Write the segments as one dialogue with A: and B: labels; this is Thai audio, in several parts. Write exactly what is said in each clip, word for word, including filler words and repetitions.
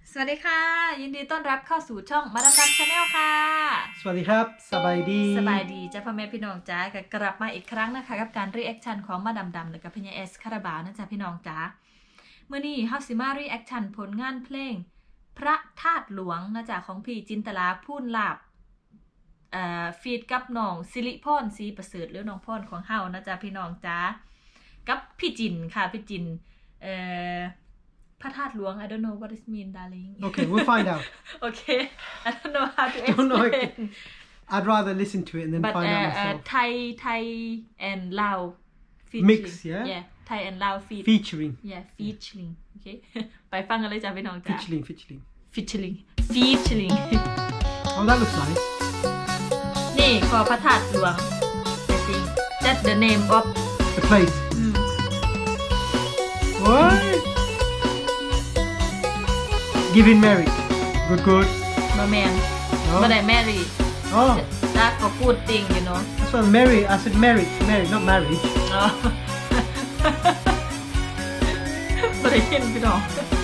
A: สวัสดีค่ะยินดีต้อนรับเข้าสู่ช่องมาดามดำชาแนลค่ะ
B: สวัสดีครับสบายดี
A: สบายดีจ้าพ่อแม่พี่น้องจ้าก็กลับมาอีกครั้งนะคะกับการรีแอคชั่นของมาดามดำหรือกับพี่เอสคาราบาวนะจ๊ะพี่น้องจ้าเมื่อนี้เฮาสิมารีแอคชั่นผลงานเพลงพระธาตุหลวงนะจ๊ะของพี่จินตลาพูนลาบเอ่อฟีดกับน้องสิริพรศรีประเสริฐหรือน้องพรของเฮานะจ๊ะพี่น้องจ้ากับพี่จินค่ะพี่จินเอ่อพระธาตุหลวง I don't know what it mean darling
B: Okay we'll find out
A: okay I don't know how to
B: don't know
A: explain
B: I'd rather listen to it and then
A: but
B: find
A: uh,
B: out
A: uh,
B: myself
A: Thai Thai and Lao featuring
B: Mix, yeah?
A: yeah Thai and Lao feat
B: featuring
A: yeah featuring okay ไปฟังกันเลยจ้ะพี่น้องจ้ะ
B: featuring featuring
A: featuring featuring
B: oh that looks nice
A: นี่ขอพระธาตุหลวง I think that's the name of
B: the place
A: อืม
B: what giving marriage good good
A: บ่แม่น
B: no
A: บ่ได้ marry
B: oh
A: แต่ก็ good thing you know
B: that's what marry I said marriage marriage not marriage
A: อ๋อ บ่ได้ยินพี่น้อง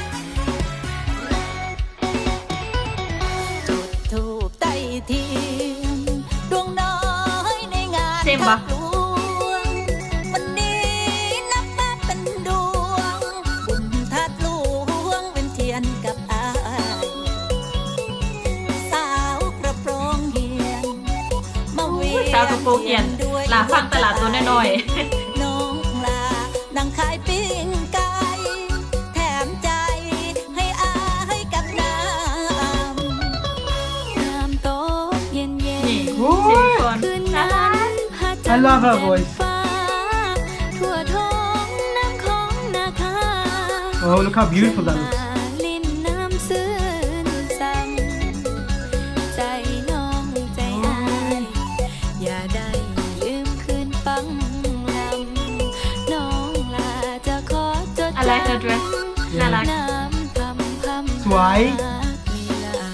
C: จุดธูปใต้เทียนดวงน้อยในงาน
A: เซมปะ
C: หลวงวันนี้นับว่าเป็นดวงบุญทัดหลวงเป็นเทียนกับอายสาวกระโปรงเหียนมาเวียน
A: สาวกระโปรงเหียน
C: ด้วย
A: ลาฟังตลาดตัวน้อย
C: น้องลานั่งขายปิ้งไก่แถมใจให้อายกับน้ำน้ำโต๊ะเย็นเย็
A: ๆ
C: น
A: นี่
B: โอ้ย
A: สิริพร
C: คืน
A: น่า
C: นั้
A: รัก
C: นหาจั
B: I love her voice
C: ฟ้าทั่วท้องน้ำของนาคา
B: oh look how beautiful that looks
C: ลิ้นน้ำซื่นสั่งใจน้องใจอายอย่าได้ลืมคืนฟังลำน้องลาจะขอจด
A: I like her dress น่ารัก
C: น้ำพำพำ
B: สวย
C: มีลาย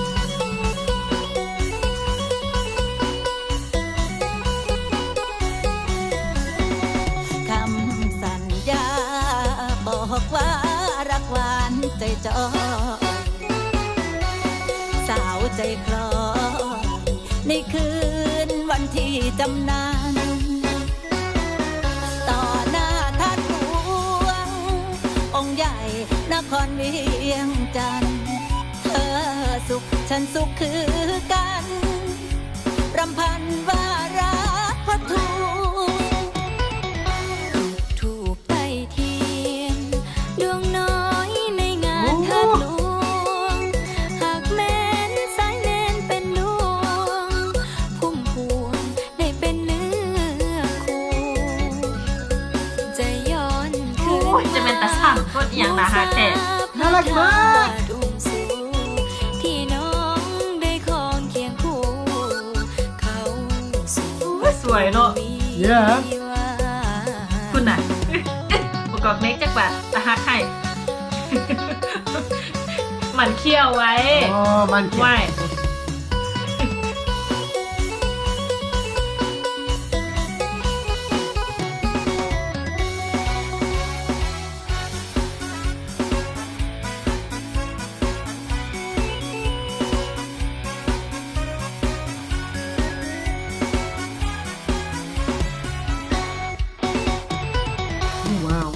C: คำสัญญาบอกว่ารักหวานใจจอยสาวใจคลอยในคืนวันที่จำนานต่อหน้าท่านหลวงองค์ใหญ่นครเวียงจันทร์เธอสุขฉันสุขคือกันรำพันว่ารักพระทูถูกใต้เทียนดวงน้อยในงานเทิดหลวงหากแม้นสายแนนเป็นดวงพุ่มพวงได้เป็นเนื้อคู่จะย้อนคืน
A: โอ้ยจะเป็นตาสั่งก็อย่างนาฮาแท้
B: น่ารักมาก
C: ที่น้องได้ครองเคียงคู่เขาสู่
A: สวยเนาะ
B: Yeah
A: คุณน่ะ ประกอบเมคจักบาทตาฮักให้ หมันเคี้ยวไว้
B: oh man
A: ไหว
B: oh wow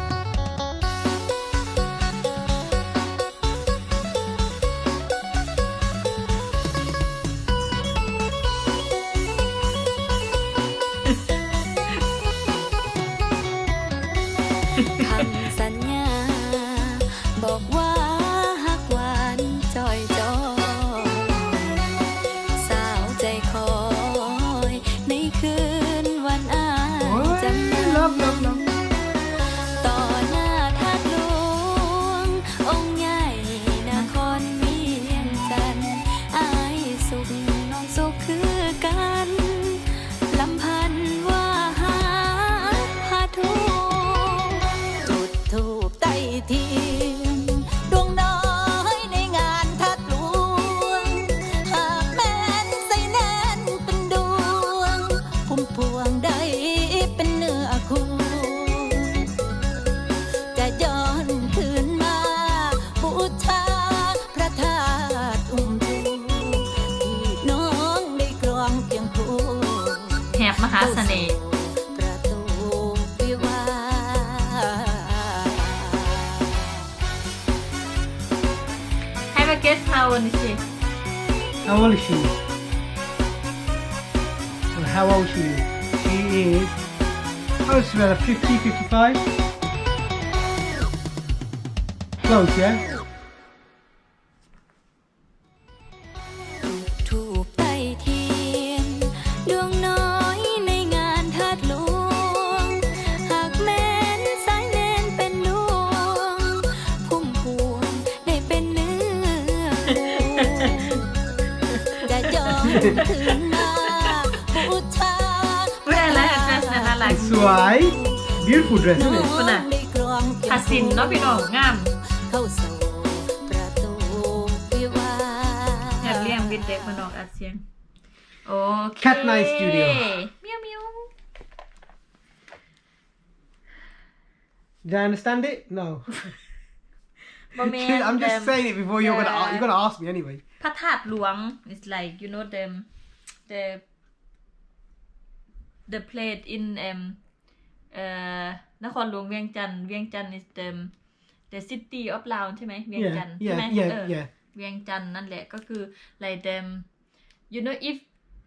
C: คำสัญญาบอกว่าหักหวานจอยจอยสาวใจคอยในคืนวันอาย
B: โอ้ย
C: จำน
B: love love love
C: ต่อหน้าท่านหลวงองค์ใหญ่นครเวียงจันทร์อายสุขน้องสุขคือกันลำพันว่าหาพาทุก จุดธูปใต้เทียนดวงน้อยในงานทัดหลวงหากแม้นใส่แน่นเป็นดวงพุ่มพวงได้เป็นเนื้อคู่จะย้อนคืนมา
A: wanna guess how old is she
B: How old is she? Well, how old she is? She is. Oh, it's about fifty, fifty-five. Close, yeah?
C: ถูกไต่เทียนดวงน้อยในงานทาสหลวงหากแม้นสายแนนเป็นลวงพุ่มพวงได้เป็นเนื้อคู่จะย้อนถึงมาบูชา
A: เว้ยอะไรอะ dress น่ารัก
B: It's right. Beautiful dress, isn't it?
A: คุณน่ะคาสินเนาะพี่น้องงาม
C: เข้าสู่ประตูวิวาห์
A: อยากเลี้ยงบิดเด็กมันออกอัดเสียงโอเค
B: Cat Night Studio
A: เมียวเมียว
B: Did I understand it? No.
A: บอแมน
B: I'm just
A: them-
B: saying it before you're gonna
A: the-
B: you're gonna ask me anyway.
A: พระธาตุหลวง is like you know them the the place in um เอ่อนครหลวงเวียงจันทร์เวียงจันทร์ is the the city of Lao ใช่ไหมเวียงจันท
B: Yeah,
A: ร์ใช่ไหม
B: yeah,
A: เอ
B: yeah,
A: อ
B: yeah.
A: เวียงจันทร์นั่นแหละก็คือ like them you know if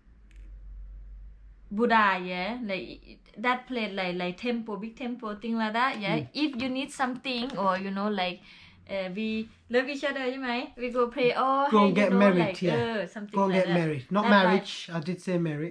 A: Buddha yeah like that place like like temple big temple thing like that yeah if you need something or you know like uh, we love each other ใช่ไหม we go pray oh
B: Go
A: hey,
B: and
A: you
B: get
A: know,
B: married,
A: like,
B: yeah.
A: เออ something
B: Go and
A: like
B: get
A: that.
B: married. Not
A: That's why-
B: marriage. I did say married.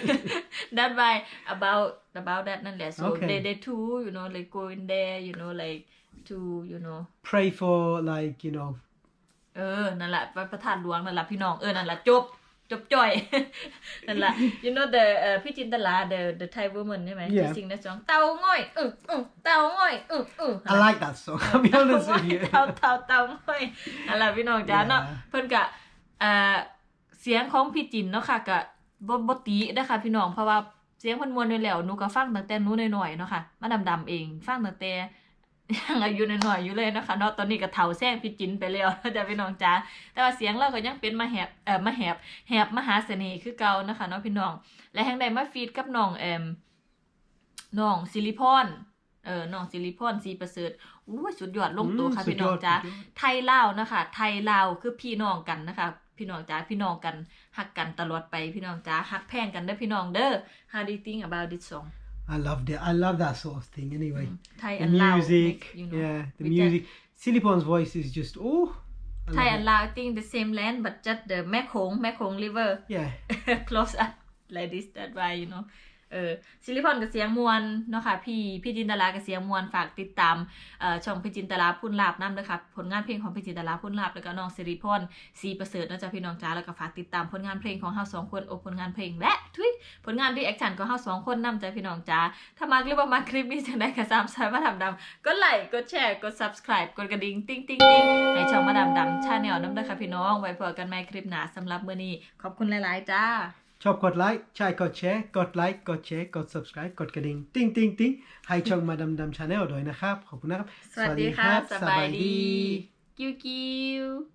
A: that's why about about that นั่นแหละ so
B: Okay.
A: they they too you know like go in there you know like to you know
B: Pray for like you know.
A: เออ นั่นแหละพระประธานหลวงนั่นแหละพี่น้อง เออ นั่นแหละจบ จบจ่อย นั่นแหละ you know the เอ่อพี่จินตลา the the Thai woman ใช่ไหม
B: Yeah.
A: ที่ sing that song เตาง่อยเออเออเตาง่อยเออเออ
B: I like that song. I'll be honest with you.
A: เตาเตาเตาง่อยนั่นแหละพี่น้องจ้าเนาะ
B: Yeah.
A: เพิ่นกะเอ่อเสียงของพี่จินเนาะค่ะกะบ่บ่ตินะคะพี่น้อง เพราะว่าเสียงเพิ่นม่วนอยู่แล้วหนูก็ฟังตั้งแต่หนูน้อยๆเนาะค่ะ มาดำๆเอง ฟังตั้งแต่ ยังอายุน้อยๆอยู่เลยนะคะเนาะตอนนี้ก็เฒ่าแซงพี่จินไปแล้วนะจ๊ะพี่น้องจ้าแต่ว่าเสียงเราก็ยังเป็นมาแหบเอ่อมาแหบแหบมหาเสน่ห์คือเก่านะคะเนาะพี่น้องและแห่งใดมาฟีดกับน้องเอ่มน้องสิริพรเออน้องสิริพรสีประเสริฐอู้ยสุดยอดลงตัว
B: อืม
A: ค่ะ
B: สุด
A: พี่น้อง
B: ยอด
A: จ้า
B: สุดยอด
A: ไทยลาวนะคะไทยลาวคือพี่น้องกันนะคะพี่น้องจ้าพี่น้องกันฮักกันตลอดไปพี่น้องจ้าฮักแพงกันเด้อพี่น้องเด้อ How do you think about this song
B: I loved it. I love that sort of thing. Anyway,
A: Thai
B: the
A: and Lao
B: music,
A: make, you know,
B: yeah, the
A: with that-
B: music. Silipon's voice is just oh. I love
A: Thai
B: it.
A: and Lao I think the same land but just the แม่โขงแม่โขง river
B: Yeah.
A: close up like this that why you know เออซิลิพอนกับเสียงมวลเนาะค่ะพี่พี่จินตลากับเสียงมวลฝากติดตามเอ่อช่องพี่จินตลาพุ่นลาบน้ำด้วยค่ะผลงานเพลงของพี่จินตลาพุ่นลาบแล้วก็น้องสิริพรสีประเสริฐนะจ๊ะพี่น้องจ้าแล้วก็ฝากติดตามผลงานเพลงของเฮาสองคนโอผลงานเพลงและทุยผลงานรีแอคชั่นของเฮาสองคนนำจ้ะพี่น้องจ้าถ้ามักหรือว่ามักคลิปนี้จังได๋ก็สามสายมาดำดำก็ไลค์กดแชร์กด subscribe กดกระดิ่งติ๊งติ๊งติ๊งให้ช่องมาดำดำชาแนลน้ำด้วยค่ะพี่น้องไว้พบกันใหม่คลิปหน้าสำหรับมื้อนี้ขอบคุณหลายๆจ้า
B: ชอบกดไลค์ใช่กดแชร์กดไลค์กดแชร์กด subscribe กดกระดิ่งติ๊งติ๊งติ๊งให้ช่องมาดำดำชาแนลด้วยนะครับขอบคุณนะครับ
A: สวัสดีค่ะสบายดี กิ้วกิ้ว